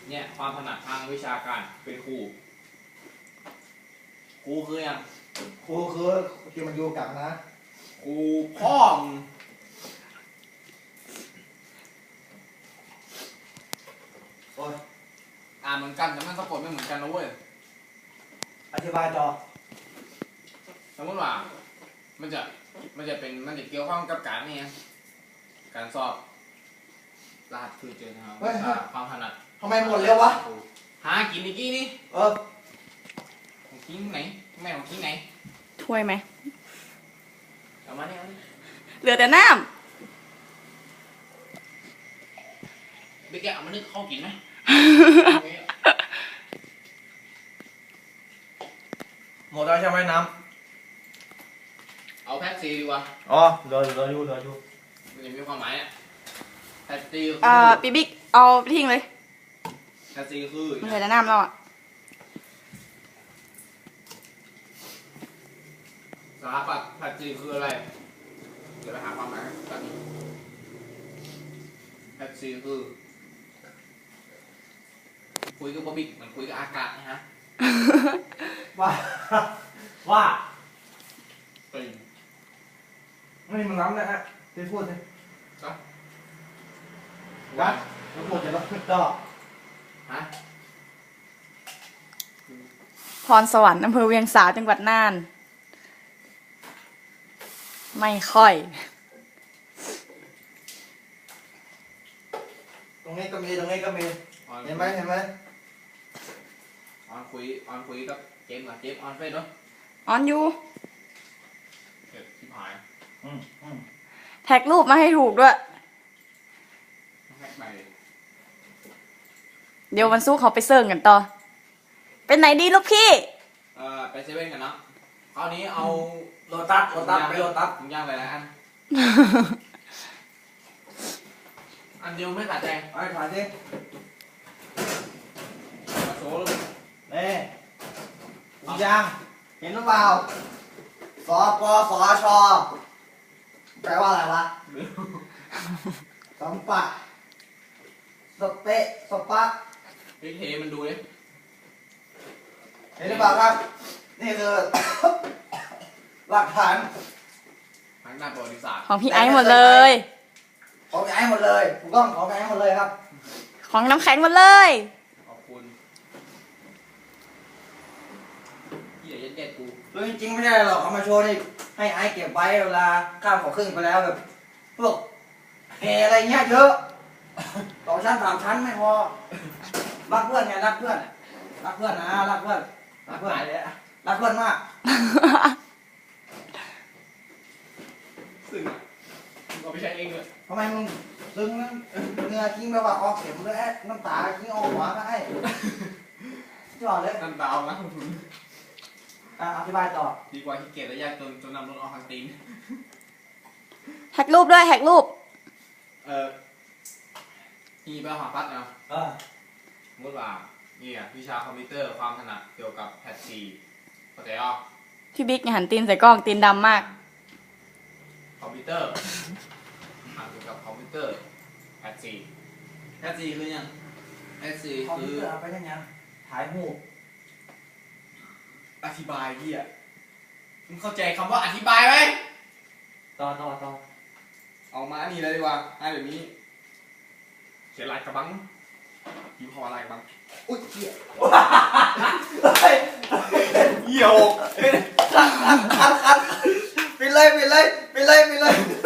เนี่ยความถนัดทางวิชาการเป็นครูคือยังครูคือที่มันอยู่กับนะครูพ่อมโอ้ยอ่านเหมือนกันแต่มันสะกดไม่เหมือนกันนะเว้ยอธิบายต่อสมมติว่ามันจะเกี่ยวข้องกับการนี่การสอบรหัสคือเจอนะครับความถนัดทำไมหมดเร็ววะหากินอีกกี้นี่ของกินไหนแม่ของกินไหนถ้วยไหมเอามาเนี่ยเหลือแต่น้ไปแกะเอามานึกเข้ากินไหมหมดแล้วใช่ไหมน้ำเอาแพ็คซีดีกว่าอ๋อเหลืออยู่มันจะมีความหมายอ่ะแพ็คซีปีบิ๊กเอาไปทิ้งเลยแพ็คซีคือเหลือแต่น้ำแล้วอ่ะสถาปัตย์แพ็คซีคืออะไรเดี๋ยวไปหาความหมายกันแพ็คซีคือคุยกับบอบิ๊กเหมือนคุยกับอากาศนะฮะว่าเป็นไม่มันล้ำนะฮะที่พูดเลยก็วัดแล้วพูดจะรับผิดต่อฮะพรสวรรค์อำเภอเวียงสาจังหวัดน่านไม่ค่อยตรงนี้ก็มีเห็นไหมออนคุยกับเจมส์ออนเฟซด้วยออนอยู่เก็บที่หายแท็กรูปมาให้ถูกด้วยแท็กไปเดี๋ยววันศุกร์เขาไปเซิร์งกันต่อเป็นไหนดีลูกพี่ไปเซเว่นกันเนาะคราวนี้เอาโลตัสไปโลตัสถุงย่างหลายอันอันเดียวไม่ขาดใจไอ้ขาดสิมาโซ่เลยนี่ถุงย่างเห็นหรือเปล่าสปสชแปลว่าอะไรวะสัมปะสเปะสปะเทมันดูดิเห็นหรือเปล่าครับนี่คือหลักฐานทางด้านประวัติศาสตร์ของพี่ไอซ์หมดเลยของพี่ไอซ์หมดเลยถูกต้องของพี่ไอซ์หมดเลยครับของน้ำแข็งหมดเลยขอบคุณที่เด็ดกูคือจริงๆไม่ได้หรอกเอามาโชว์นี่ให้ไอซ์เก็บไว้เวลาข้ามขอครึ่งไปแล้วแบบพวกเฮอะไรเงี้ยเยอะ2 ชั้น 3 ชั้นไม่พอรักเพื่อนไงรักเพื่อนนะรักเพื่อนมากซึ่งก็ไม่ใช่เองเลยทำไมมึงซึ้งนะเนื้อทิ้งแบบว่าออกเข็มเลยน้ำตาทิ้งออกหัวก็ให้จอดเลยน้ำตาเอานะคุณอธิบายต่อดีกว่าที่เกียจและยากจนนำรถออกทางตีนแท็กรูปด้วยแท็กรูปมีไปหาพัดนะสมมติว่านี่วิชาคอมพิวเตอร์ความถนัดเกี่ยวกับแพทซีเข้าใจอ่ะพี่บิ๊กหันตีนใส่กล้องตีนดำมากคอมพิวเตอร์เกี่ยวกับคอมพิวเตอร์แพทซีคือยังแพทซีคอมพิวเตอร์เอาไปยังไงถ่ายรูปอธิบายพี่อ่ะมึงเข้าใจคำว่าอธิบายไหมต่อเอามาอันนี้เลยดีกว่าเดี๋ยวนี้เสียลายกระบังยิ้มคอลายกระบังอุ้ยเหี้ยเหี่ยวคันปิดเลย